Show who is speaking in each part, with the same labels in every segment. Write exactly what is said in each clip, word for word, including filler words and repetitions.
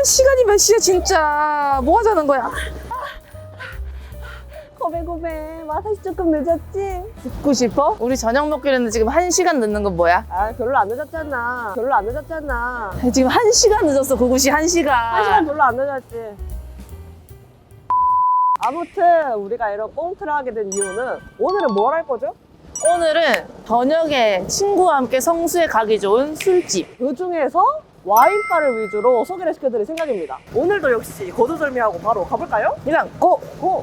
Speaker 1: 시간이 몇 시야 진짜. 뭐 하자는 거야?
Speaker 2: 고배 고배 마사지 조금 늦었지?
Speaker 1: 듣고 싶어? 우리 저녁 먹기로 했는데 지금 한 시간 늦는 건 뭐야?
Speaker 2: 아 별로 안 늦었잖아. 별로 안 늦었잖아.
Speaker 1: 지금 한 시간 늦었어. 그곳이 한 시간.
Speaker 2: 한 시간 별로 안 늦었지. 아무튼 우리가 이런 꽁트를 하게 된 이유는 오늘은 뭘 할 거죠?
Speaker 1: 오늘은 저녁에 친구와 함께 성수에 가기 좋은 술집.
Speaker 2: 그 중에서 와인바를 위주로 소개를 시켜드릴 생각입니다. 오늘도 역시 거두절미하고 바로 가볼까요?
Speaker 1: 일단 고!
Speaker 2: 고!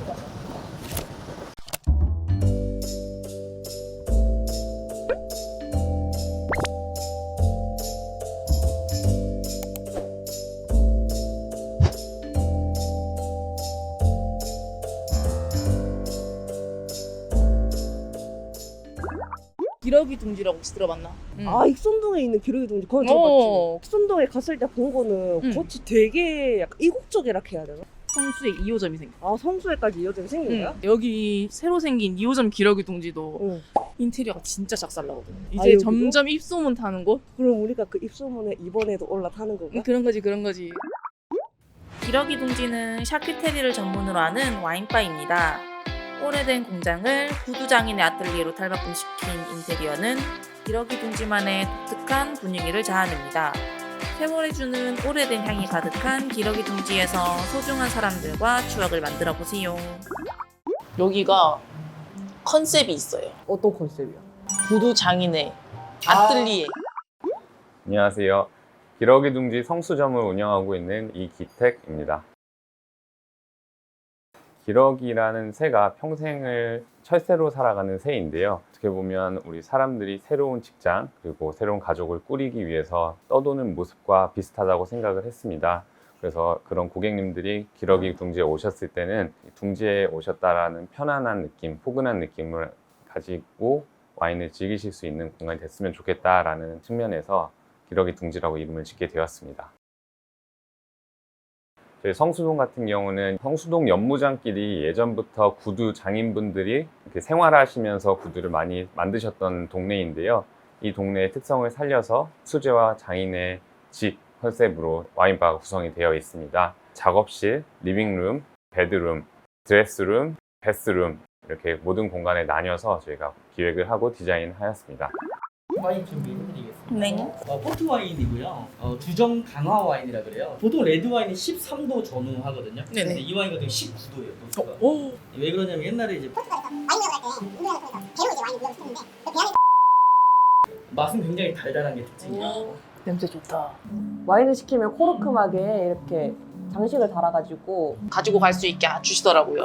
Speaker 1: 기러기 둥지라고 혹시 들어봤나? 응.
Speaker 2: 아 익선동에 있는 기러기 둥지 거기
Speaker 1: 어.
Speaker 2: 들어봤지? 익선동에 갔을 때 본 거는
Speaker 1: 응.
Speaker 2: 겉이 되게 약간 이국적이라 해야 되나?
Speaker 1: 성수에 이 호점이 생겨.
Speaker 2: 아 성수에까지 이어져 생긴 거야?
Speaker 1: 응. 여기 새로 생긴 이 호점 기러기 둥지도
Speaker 2: 응.
Speaker 1: 인테리어가 진짜 작살나거든. 이제
Speaker 2: 아, 여기도?
Speaker 1: 점점 입소문 타는 곳?
Speaker 2: 그럼 우리가 그 입소문에 이번에도 올라타는 건가?
Speaker 1: 그런 거지 그런 거지.
Speaker 3: 기러기 둥지는 샤큐테리를 전문으로 하는 와인바입니다. 오래된 공장을 구두장인의 아틀리에로 탈바꿈시킨 인테리어는 기러기 둥지만의 독특한 분위기를 자아냅니다. 세월이 주는 오래된 향이 가득한 기러기 둥지에서 소중한 사람들과 추억을 만들어 보세요.
Speaker 1: 여기가 컨셉이 있어요.
Speaker 2: 어떤 컨셉이야?
Speaker 1: 구두 장인의 아틀리에.
Speaker 4: 안녕하세요. 기러기 둥지 성수점을 운영하고 있는 이기택입니다. 기러기라는 새가 평생을 철새로 살아가는 새인데요. 어떻게 보면 우리 사람들이 새로운 직장 그리고 새로운 가족을 꾸리기 위해서 떠도는 모습과 비슷하다고 생각을 했습니다. 그래서 그런 고객님들이 기러기 둥지에 오셨을 때는 둥지에 오셨다라는 편안한 느낌, 포근한 느낌을 가지고 와인을 즐기실 수 있는 공간이 됐으면 좋겠다라는 측면에서 기러기 둥지라고 이름을 짓게 되었습니다. 저희 성수동 같은 경우는 성수동 연무장길이 예전부터 구두 장인분들이 이렇게 생활하시면서 구두를 많이 만드셨던 동네인데요. 이 동네의 특성을 살려서 수제와 장인의 집 컨셉으로 와인바가 구성이 되어 있습니다. 작업실, 리빙룸, 베드룸, 드레스룸, 베스룸 이렇게 모든 공간에 나뉘어서 저희가 기획을 하고 디자인하였습니다.
Speaker 5: 와인 준비해드리겠습니다.
Speaker 1: 네.
Speaker 5: 어, 포트 와인이고요. 어, 주정 강화 와인이라 그래요. 보통 레드 와인이 십삼 도 전후하거든요.
Speaker 1: 네네.
Speaker 5: 근데 이 와인 같은 경우 십구 도예요. 도수가.
Speaker 1: 오.
Speaker 5: 왜 그러냐면 옛날에 이제 맛은 굉장히 달달한 게 특징이에요.
Speaker 1: 냄새 좋다.
Speaker 2: 와인을 시키면 코르크막에 이렇게 장식을 달아가지고
Speaker 1: 가지고 갈 수 있게 주시더라고요.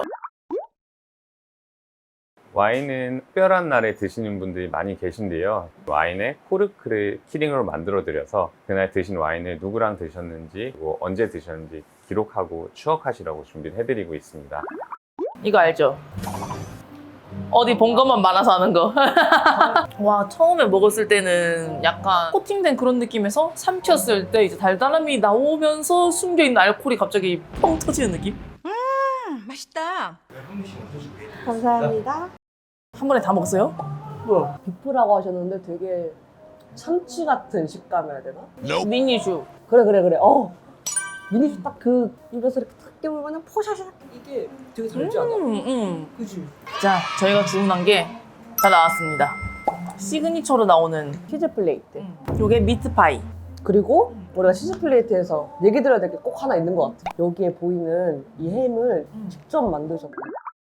Speaker 4: 와인은 특별한 날에 드시는 분들이 많이 계신데요. 와인에 코르크를 키링으로 만들어 드려서 그날 드신 와인을 누구랑 드셨는지 그리고 언제 드셨는지 기록하고 추억하시라고 준비를 해드리고 있습니다.
Speaker 1: 이거 알죠? 어디 본 것만 많아서 하는 거. 와, 처음에 먹었을 때는 약간 코팅된 그런 느낌에서 삼켰을 때 이제 달달함이 나오면서 숨겨있는 알코올이 갑자기 펑 터지는 느낌?
Speaker 6: 맛있다.
Speaker 2: 감사합니다.
Speaker 1: 한 번에 다 먹었어요?
Speaker 2: 뭐야? 비프라고 하셨는데 되게 참치 같은 식감이라 해야 되나?
Speaker 1: 미니슈.
Speaker 2: 그래 그래 그래. 어 미니슈 딱 그 입에서 이렇게 탁 깨물면 포샤샥 이게 되게 달지 않아?
Speaker 1: 음, 음.
Speaker 2: 그지?
Speaker 1: 자, 저희가 주문한 게 다 나왔습니다. 시그니처로 나오는
Speaker 2: 치즈 플레이트.
Speaker 1: 요게 미트파이.
Speaker 2: 그리고 우리가 치즈 플레이트에서 얘기 드려야 될 게 꼭 하나 있는 것 같아. 여기에 보이는 이 햄을 직접 만드셨고.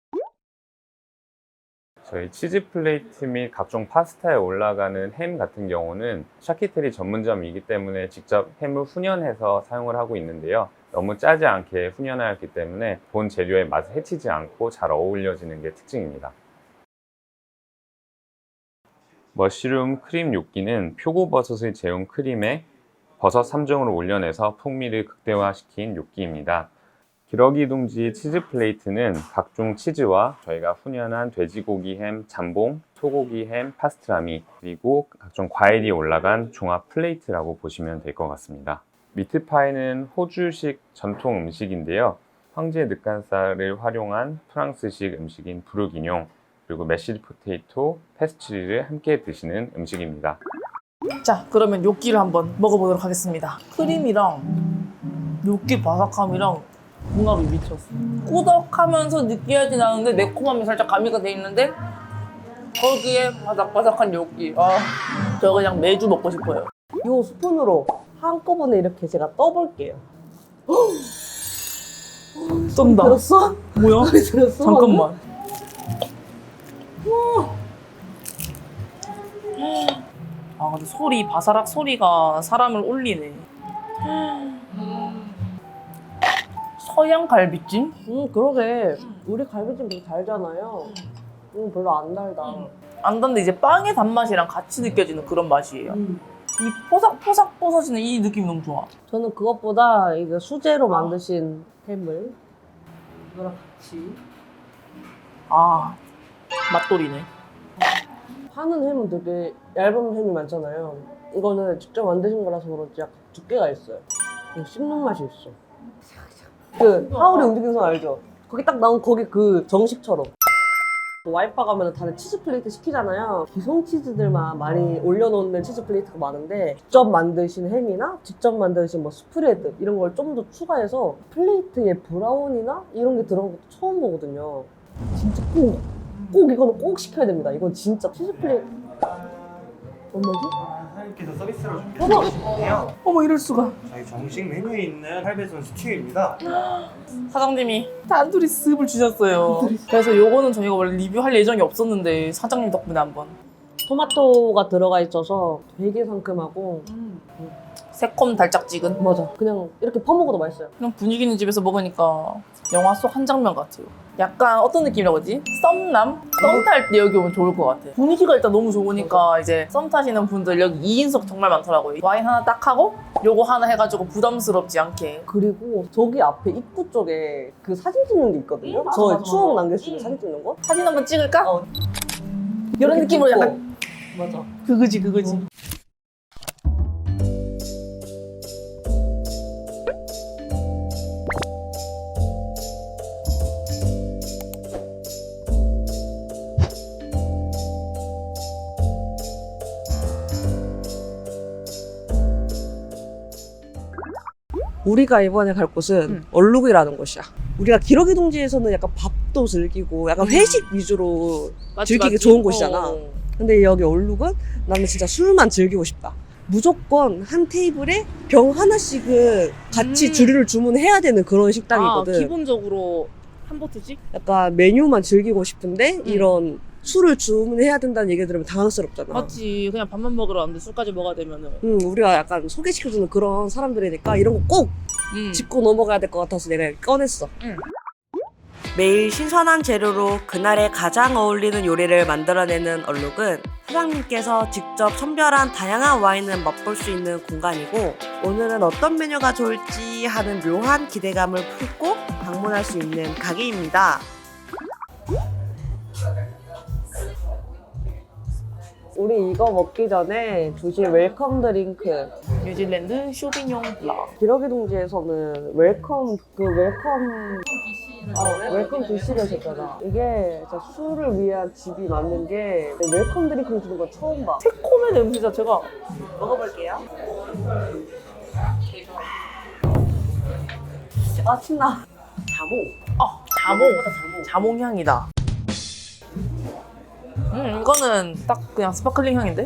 Speaker 4: 저희 치즈 플레이트 및 각종 파스타에 올라가는 햄 같은 경우는 샤키테리 전문점이기 때문에 직접 햄을 훈연해서 사용을 하고 있는데요. 너무 짜지 않게 훈연하였기 때문에 본 재료의 맛을 해치지 않고 잘 어울려지는 게 특징입니다. 머쉬룸 크림 요끼는 표고버섯을 재운 크림에 버섯 삼 종을 올려내서 풍미를 극대화시킨 요끼입니다. 기러기 둥지 치즈 플레이트는 각종 치즈와 저희가 훈연한 돼지고기 햄, 잠봉, 소고기 햄, 파스트라미 그리고 각종 과일이 올라간 종합 플레이트라고 보시면 될 것 같습니다. 미트파이는 호주식 전통 음식인데요. 황제 늑간살을 활용한 프랑스식 음식인 부르기뇽 그리고 메시드 포테이토, 페스츄리를 함께 드시는 음식입니다.
Speaker 1: 자, 그러면 요끼를 한번 먹어보도록 하겠습니다. 크림이랑 육기 바삭함이랑 궁합이 미쳤어. 꾸덕하면서 느끼하진 않은데 매콤함이 살짝 가미가 돼 있는데 거기에 바삭바삭한 육기. 아, 저 그냥 매주 먹고 싶어요.
Speaker 2: 이 스푼으로 한꺼번에 이렇게 제가 떠볼게요.
Speaker 1: 쏜다.
Speaker 2: 들었어?
Speaker 1: 뭐야?
Speaker 2: 소리 들었어?
Speaker 1: 잠깐만. 아 근데 소리 바사락 소리가 사람을 올리네. 서양 갈비찜?
Speaker 2: 음 그러게. 우리 갈비찜 되게 달잖아요. 음 별로 안 달다.
Speaker 1: 안 단데 이제 빵의 단맛이랑 같이 느껴지는 그런 맛이에요.
Speaker 2: 음.
Speaker 1: 이 포삭포삭 부서지는 이 느낌이 너무 좋아.
Speaker 2: 저는 그것보다 이거 수제로 만드신 햄을 이거랑 같이
Speaker 1: 아 맛돌이네.
Speaker 2: 파는 햄은 되게 얇은 햄이 많잖아요. 이거는 직접 만드신 거라서 그런지 약간 두께가 있어요. 이거 씹는 맛이 있어. 그 하울의 움직이는 손 알죠? 거기 딱 나온 거기 그 정식처럼. 와이파 가면 다들 치즈 플레이트 시키잖아요. 기성 치즈들만 많이 올려놓는 치즈 플레이트가 많은데 직접 만드신 햄이나 직접 만드신 뭐 스프레드 이런 걸 좀 더 추가해서 플레이트에 브라운이나 이런 게 들어간 것도 처음 보거든요. 진짜 꼭, 꼭 이거는 꼭 시켜야 됩니다. 이건 진짜 치즈 플레이트. 얼마지?
Speaker 7: 사장님께서 서비스로 준비해 주시는데요.
Speaker 1: 어머 이럴 수가.
Speaker 7: 저희 정식 메뉴에 있는 팔배손 스튜입니다.
Speaker 1: 사장님이 단둘이 습을 주셨어요. 그래서 요거는 저희가 원래 리뷰할 예정이 없었는데 사장님 덕분에 한번.
Speaker 2: 토마토가 들어가 있어서 되게 상큼하고
Speaker 1: 새콤 달짝지근.
Speaker 2: 맞아. 그냥 이렇게 퍼먹어도 맛있어요.
Speaker 1: 그냥 분위기 있는 집에서 먹으니까 영화 속 한 장면 같아요. 약간 어떤 느낌이라고 하지? 썸남? 썸 탈 때 여기 오면 좋을 것 같아. 분위기가 일단 너무 좋으니까 이제 썸 타시는 분들 여기 이 인석 정말 많더라고요. 와인 하나 딱 하고 요거 하나 해가지고 부담스럽지 않게.
Speaker 2: 그리고 저기 앞에 입구 쪽에 그 사진 찍는 게 있거든요.
Speaker 1: 맞아,
Speaker 2: 저
Speaker 1: 맞아,
Speaker 2: 추억
Speaker 1: 맞아.
Speaker 2: 남길 수 있는 사진 찍는 거.
Speaker 1: 사진 한번 찍을까?
Speaker 2: 어.
Speaker 1: 이런
Speaker 2: 이렇게
Speaker 1: 느낌으로
Speaker 2: 찍고.
Speaker 1: 약간
Speaker 2: 맞아.
Speaker 1: 그거지 그거지.
Speaker 2: 우리가 이번에 갈 곳은
Speaker 1: 음.
Speaker 2: 얼룩이라는 곳이야. 우리가 기러기 둥지에서는 약간 밥도 즐기고 약간 회식 위주로
Speaker 1: 맞지,
Speaker 2: 즐기기
Speaker 1: 맞지?
Speaker 2: 좋은 곳이잖아.
Speaker 1: 어.
Speaker 2: 근데 여기 얼룩은 나는 진짜 술만 즐기고 싶다. 무조건 한 테이블에 병 하나씩은 같이
Speaker 1: 음.
Speaker 2: 주류를 주문해야 되는 그런 식당이거든.
Speaker 1: 아, 기본적으로 한 보트씩?
Speaker 2: 약간 메뉴만 즐기고 싶은데
Speaker 1: 음.
Speaker 2: 이런 술을 주문해야 된다는 얘기 들으면 당황스럽잖아.
Speaker 1: 맞지. 그냥 밥만 먹으러 왔는데 술까지 먹어야 되면은.
Speaker 2: 음, 우리가 약간 소개시켜주는 그런 사람들이니까 이런 거 꼭
Speaker 1: 음.
Speaker 2: 짚고 넘어가야 될 것 같아서 내가 이렇게 꺼냈어.
Speaker 1: 응.
Speaker 2: 매일 신선한 재료로 그날에 가장 어울리는 요리를 만들어내는 얼룩은 사장님께서 직접 선별한 다양한 와인을 맛볼 수 있는 공간이고 오늘은 어떤 메뉴가 좋을지 하는 묘한 기대감을 품고 방문할 수 있는 가게입니다. 우리 이거 먹기 전에 주실 웰컴 드링크.
Speaker 1: 뉴질랜드 쇼비뇽 블라.
Speaker 2: 기러기 둥지에서는 웰컴 그 웰컴 어, 웰컴 드시를 줬잖아. 이게 진짜 술을 위한 집이 맞는 게 웰컴 드링크를 주는 건 처음 봐.
Speaker 1: 새콤의 냄새 자체가.
Speaker 2: 먹어볼게요. 아 신나. 자몽.
Speaker 1: 아, 자몽. 자몽 향이다. 음, 이거는 딱 그냥 스파클링 향인데?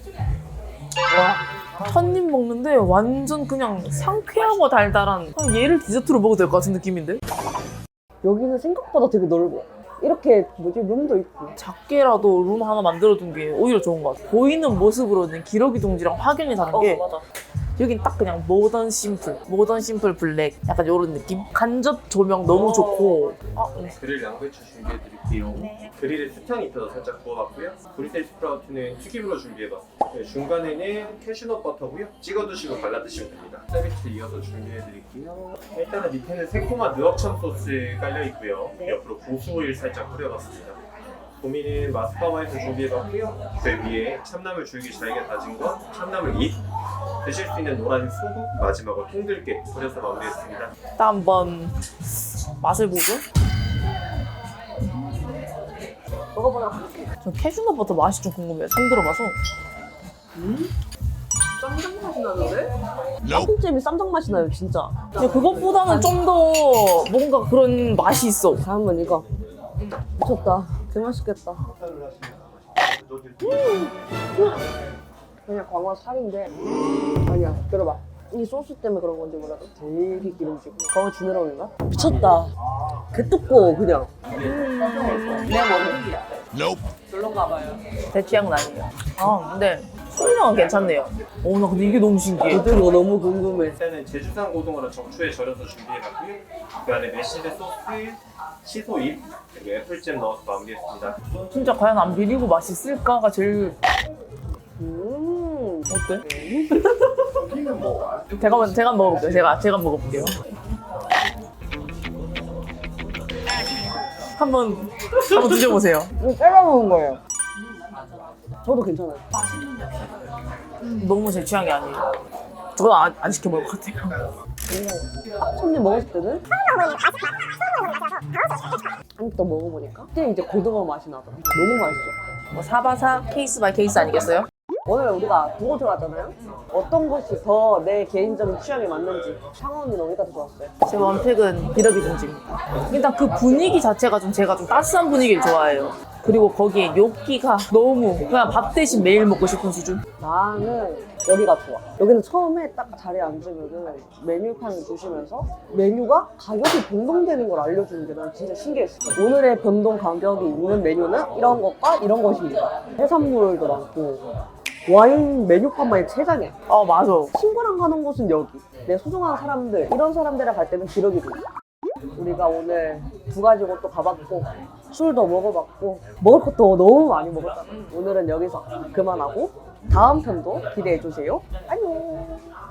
Speaker 1: 와, 첫입 먹는데 완전 그냥 상쾌하고 달달한 그냥 얘를 디저트로 먹어도 될 것 같은 느낌인데?
Speaker 2: 여기는 생각보다 되게 넓어. 이렇게 뭐지 룸도 있고.
Speaker 1: 작게라도 룸 하나 만들어둔 게 오히려 좋은 것 같아. 보이는 모습으로는 기러기 둥지랑 확연히 다른 게
Speaker 2: 맞아.
Speaker 1: 여긴 딱 그냥 모던 심플, 모던 심플 블랙 약간 이런 느낌? 간접 조명 너무 좋고 아,
Speaker 7: 그릴 양배추 준비해드릴게요. 그릴에 수탕 입혀서 살짝 구워봤고요. 브리셀 스프라우트는 튀김으로 준비해봤어요. 네, 중간에는 캐슈넛 버터고요. 찍어 드시고 발라 드시면 됩니다. 서비스 이어서 준비해드릴게요. 일단은 밑에는 새콤한 느럭천 소스 깔려 있고요. 옆으로 고수 오일 살짝 뿌려봤습니다. 고민은 마스카 와인을 준비해봤고요. 그 위에 참나물 줄기 잘게 다진 것, 참나물 잎, 드실 수 있는 노란 소금, 마지막으로 통들깨 뿌려서 마무리했습니다.
Speaker 1: 일단 한번 맛을 보죠.
Speaker 2: 먹어보도록 할게요.
Speaker 1: 저 캐슈넛 버터 맛이 좀 궁금해요. 처음 들어봐서.
Speaker 2: 음? 쌈장 맛이 나는데? 짬뽕잼이 쌈장 맛이 나요, 진짜.
Speaker 1: 근데 그것보다는 좀 더 뭔가 그런 맛이 있어.
Speaker 2: 다음은 이거. 미쳤다. 개 맛있겠다. 음. 그냥 광어 살인데 아니야. 들어봐. 이 소스 때문에 그런 건지 몰라도 되게 기름지고 광어 지느러미가 미쳤다. 개 두꺼워 그냥. 음. 내 머리. 별론가 봐요.
Speaker 1: 제 취향은 아니에요. 아 근데 소리랑은 괜찮네요. 오 나 근데 이게 너무 신기해.
Speaker 2: 저도 이거 너무 궁금해.
Speaker 7: 일단은 제주산 고등어를 적초에 절여서 준비해봤고요. 그 안에 매실의 소스, 시소잎, 그리고 애플잼 넣어서 마무리했습니다.
Speaker 1: 진짜 과연 안 비리고 맛있을까가 제일
Speaker 2: 음.
Speaker 1: 어때? 제가 먼저 제가 먹어볼게요. 제가 제가 먹어볼게요. 한번 한번 드셔보세요.
Speaker 2: 이거 빼가 먹은 거예요. 저도 괜찮아요.
Speaker 1: 너무 제 취향이 아니에요. 저건 안, 안 시켜 먹을 것 같아요.
Speaker 2: 손님 먹었을 때는 한 입 더 먹어보니까 그때 이제 고등어 맛이 나더라. 너무 맛있어.
Speaker 1: 뭐 사바사 케이스 바이 케이스 아니겠어요?
Speaker 2: 오늘 우리가 두 곳을 갔잖아요. 어떤 곳이 더 내 개인적인 취향에 맞는지 상원이는 어디가 더 좋았어요?
Speaker 1: 제 원픽은 비러기 둥지입니다. 일단 그 분위기 자체가 좀 제가 좀 따스한 분위기를 좋아해요. 그리고 거기에 뇨끼가 너무 그냥 밥 대신 매일 먹고 싶은 수준?
Speaker 2: 나는 여기가 좋아. 여기는 처음에 딱 자리에 앉으면은 메뉴판을 주시면서 메뉴가 가격이 변동되는 걸 알려주는 게 난 진짜 신기했어. 오늘의 변동 가격이 있는 메뉴는 이런 것과 이런 것입니다. 해산물도 많고 와인 메뉴판만 세 장이야.
Speaker 1: 아 맞아.
Speaker 2: 친구랑 가는 곳은 여기. 내 소중한 사람들, 이런 사람들이랑 갈 때는 기러기도. 우리가 오늘 두 가지 곳도 가봤고 술도 먹어봤고 먹을 것도 너무 많이 먹었잖아. 오늘은 여기서 그만하고 다음 편도 기대해주세요. 안녕.